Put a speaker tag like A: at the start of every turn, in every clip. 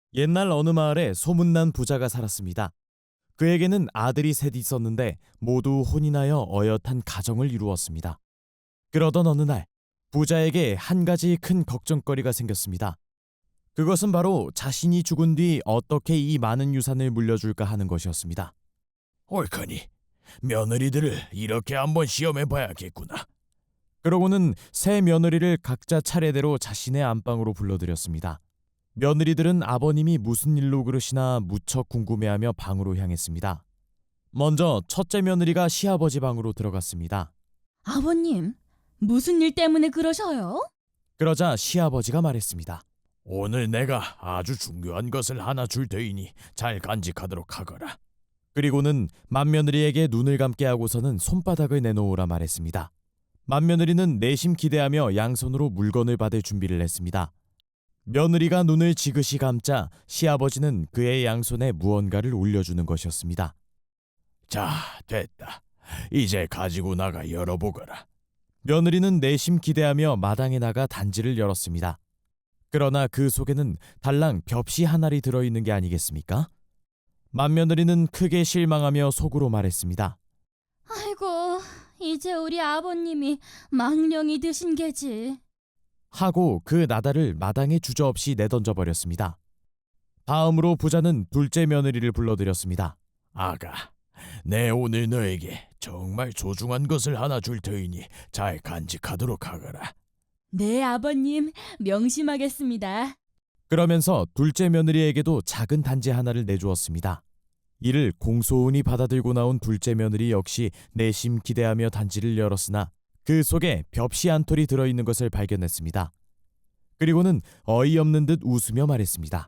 A: 옛날 어느 마을에 소문난 부자가 살았습니다. 그에게는 아들이 셋 있었는데 모두 혼이 나여 어엿한 가정을 이루었습니다. 그러던 어느 날 부자에게 한 가지 큰 걱정거리가 생겼습니다. 그것은 바로 자신이 죽은 뒤 어떻게 이 많은 유산을 물려줄까 하는 것이었습니다.
B: 옳거니 며느리들을 이렇게 한번 시험해 봐야겠구나.
A: 그러고는 세 며느리를 각자 차례대로 자신의 안방으로 불러들였습니다. 며느리들은 아버님이 무슨 일로 그러시나 무척 궁금해하며 방으로 향했습니다. 먼저 첫째 며느리가 시아버지 방으로 들어갔습니다.
C: 아버님, 무슨 일 때문에 그러셔요?
A: 그러자 시아버지가 말했습니다.
B: 오늘 내가 아주 중요한 것을 하나 줄 테이니 잘 간직하도록 하거라.
A: 그리고는 맏며느리에게 눈을 감게 하고서는 손바닥을 내놓으라 말했습니다. 맏며느리는 내심 기대하며 양손으로 물건을 받을 준비를 했습니다. 며느리가 눈을 지그시 감자 시아버지는 그의 양손에 무언가를 올려주는 것이었습니다.
B: 자, 됐다. 이제 가지고 나가 열어보거라.
A: 며느리는 내심 기대하며 마당에 나가 단지를 열었습니다. 그러나 그 속에는 달랑 벽시 한 알이 들어있는 게 아니겠습니까? 맏며느리는 크게 실망하며 속으로 말했습니다.
C: 아이고, 이제 우리 아버님이 망령이 드신 게지.
A: 하고 그 나달을 마당에 주저없이 내던져 버렸습니다. 다음으로 부자는 둘째 며느리를 불러들였습니다.
B: 아가, 내 오늘 너에게 정말 소중한 것을 하나 줄 테이니 잘 간직하도록 하거라.
C: 네, 아버님, 명심하겠습니다.
A: 그러면서 둘째 며느리에게도 작은 단지 하나를 내주었습니다. 이를 공소운이 받아들고 나온 둘째 며느리 역시 내심 기대하며 단지를 열었으나 그 속에 벽시 한 톨이 들어있는 것을 발견했습니다. 그리고는 어이없는 듯 웃으며 말했습니다.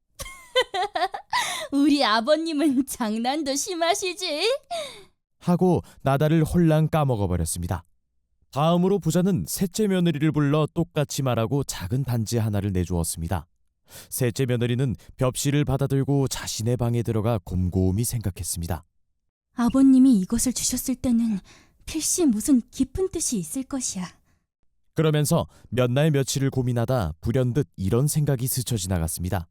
C: 우리 아버님은 장난도 심하시지?
A: 하고 나달을 홀랑 까먹어버렸습니다. 다음으로 부자는 셋째 며느리를 불러 똑같이 말하고 작은 단지 하나를 내주었습니다. 셋째 며느리는 벽시를 받아들고 자신의 방에 들어가 곰곰이 생각했습니다.
C: 아버님이 이것을 주셨을 때는 필시 무슨 깊은 뜻이 있을 것이야.
A: 그러면서 몇 날 며칠을 고민하다 불현듯 이런 생각이 스쳐 지나갔습니다.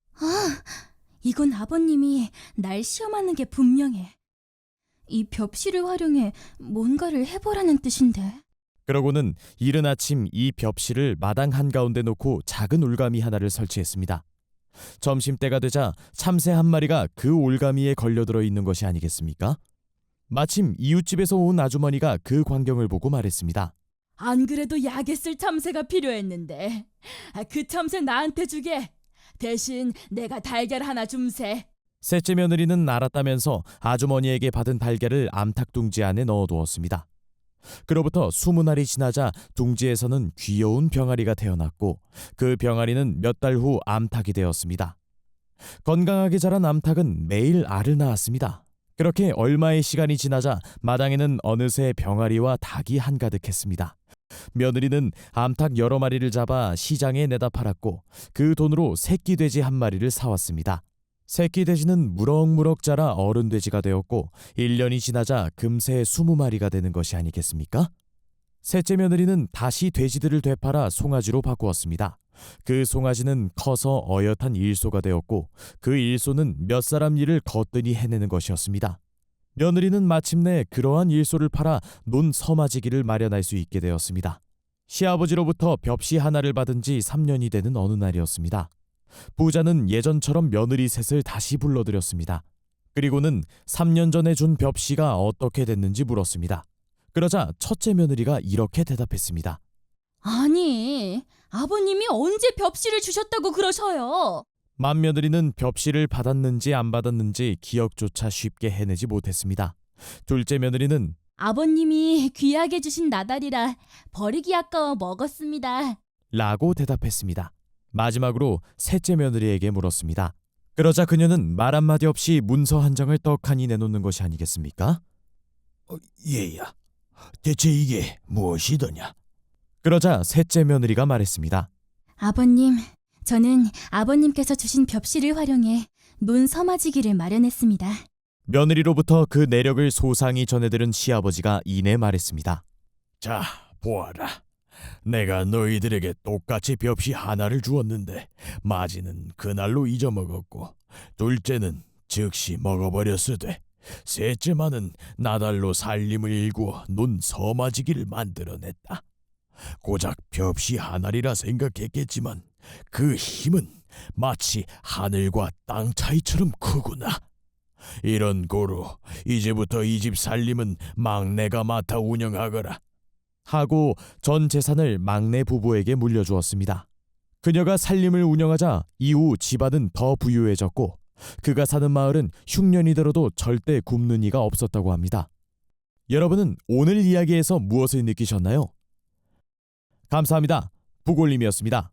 C: 이건 아버님이 날 시험하는 게 분명해. 이 벽시를 활용해 뭔가를 해보라는 뜻인데.
A: 그러고는 이른 아침 이 벽시를 마당 한가운데 놓고 작은 올가미 하나를 설치했습니다. 점심때가 되자 참새 한 마리가 그 올가미에 걸려들어 있는 것이 아니겠습니까? 마침 이웃집에서 온 아주머니가 그 광경을 보고 말했습니다.
C: 안 그래도 약에 쓸 참새가 필요했는데 그 참새 나한테 주게. 대신 내가 달걀 하나 줌세.
A: 셋째 며느리는 알았다면서 아주머니에게 받은 달걀을 암탉 둥지 안에 넣어두었습니다. 그로부터 20알이 지나자 둥지에서는 귀여운 병아리가 태어났고 그 병아리는 몇 달 후 암탉이 되었습니다. 건강하게 자란 암탉은 매일 알을 낳았습니다. 그렇게 얼마의 시간이 지나자 마당에는 어느새 병아리와 닭이 한가득했습니다. 며느리는 암탉 여러 마리를 잡아 시장에 내다 팔았고 그 돈으로 새끼 돼지 한 마리를 사왔습니다. 새끼 돼지는 무럭무럭 자라 어른 돼지가 되었고 1년이 지나자 금세 20마리가 되는 것이 아니겠습니까? 셋째 며느리는 다시 돼지들을 되팔아 송아지로 바꾸었습니다. 그 송아지는 커서 어엿한 일소가 되었고 그 일소는 몇 사람 일을 거뜬히 해내는 것이었습니다. 며느리는 마침내 그러한 일소를 팔아 논 서마지기를 마련할 수 있게 되었습니다. 시아버지로부터 벽시 하나를 받은 지 3년이 되는 어느 날이었습니다. 부자는 예전처럼 며느리 셋을 다시 불러들였습니다. 그리고는 3년 전에 준 벽시가 어떻게 됐는지 물었습니다. 그러자 첫째 며느리가 이렇게 대답했습니다.
C: 아니, 아버님이 언제 벽시를 주셨다고 그러셔요?
A: 맏며느리는 벽시를 받았는지 안 받았는지 기억조차 쉽게 해내지 못했습니다. 둘째 며느리는
C: 아버님이 귀하게 주신 나달이라 버리기 아까워 먹었습니다.
A: 라고 대답했습니다. 마지막으로 셋째 며느리에게 물었습니다. 그러자 그녀는 말 한마디 없이 문서 한 장을 떡하니 내놓는 것이 아니겠습니까?
B: 얘야, 대체 이게 무엇이더냐?
A: 그러자 셋째 며느리가 말했습니다.
C: 아버님, 저는 아버님께서 주신 벽시를 활용해 논 서마지기를 마련했습니다.
A: 며느리로부터 그 내력을 소상히 전해들은 시아버지가 이내 말했습니다.
B: 자, 보아라. 내가 너희들에게 똑같이 벽시 하나를 주었는데 마지는 그날로 잊어먹었고 둘째는 즉시 먹어버렸으되 셋째만은 나달로 살림을 일구어 논 서마지기를 만들어냈다. 고작 벽시 하나리라 생각했겠지만 그 힘은 마치 하늘과 땅 차이처럼 크구나. 이런 고로 이제부터 이 집 살림은 막내가 맡아 운영하거라.
A: 하고 전 재산을 막내 부부에게 물려주었습니다. 그녀가 살림을 운영하자 이후 집안은 더 부유해졌고 그가 사는 마을은 흉년이 들어도 절대 굶는 이가 없었다고 합니다. 여러분은 오늘 이야기에서 무엇을 느끼셨나요? 감사합니다. 부골님이었습니다.